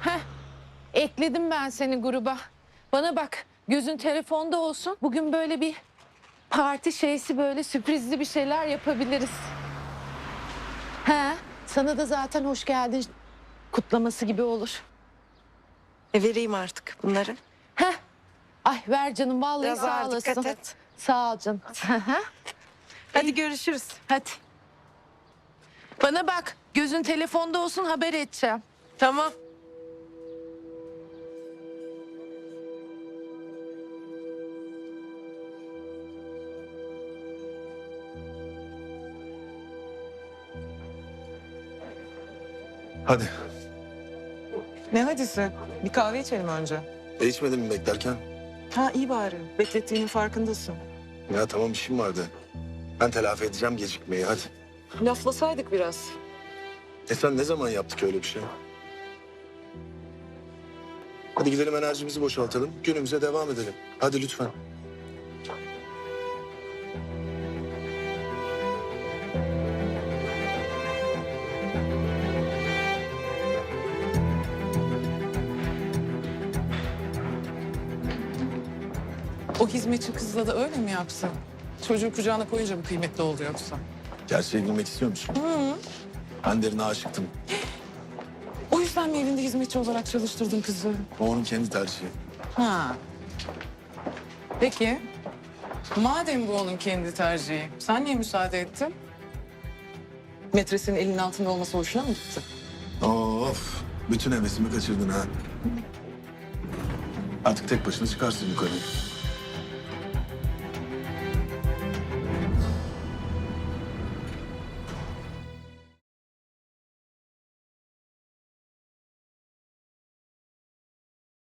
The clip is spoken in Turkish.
Heh, ekledim ben seni gruba. Bana bak, gözün telefonda olsun. Bugün böyle bir parti şeysi, böyle sürprizli bir şeyler yapabiliriz. He, sana da zaten hoş geldin kutlaması gibi olur. Vereyim artık bunları. Heh, ay ver canım, vallahi Biraz sağ ağır, olasın. dikkat et. Sağ ol canım. Hı hı. Hadi görüşürüz. Hadi. Bana bak, gözün telefonda olsun, haber edeceğim. Tamam. Hadi. Ne hadisi? Bir kahve içelim önce. İçmedin mi beklerken? Ha iyi bari. Beklettiğinin farkındasın. Ya tamam işim vardı. Ben telafi edeceğim gecikmeyi hadi. Laflasaydık biraz. Sen ne zaman yaptık öyle bir şey? Hadi gidelim enerjimizi boşaltalım. Günümüze devam edelim. Hadi lütfen. O hizmetçi kızla da öyle mi yapsın? Çocuğu kucağına koyunca mı kıymetli oldu yoksa? Gerçeği bilmek istiyor musun? Ben derine aşıktım. O yüzden mi evinde hizmetçi olarak çalıştırdın kızı? O onun kendi tercihi. Ha. Peki. Madem bu onun kendi tercihi, sen niye müsaade ettin? Metresinin elinin altında olması hoşuna mı gitti? Of. Bütün hevesimi kaçırdın ha. Artık tek başına çıkarsın yukarı.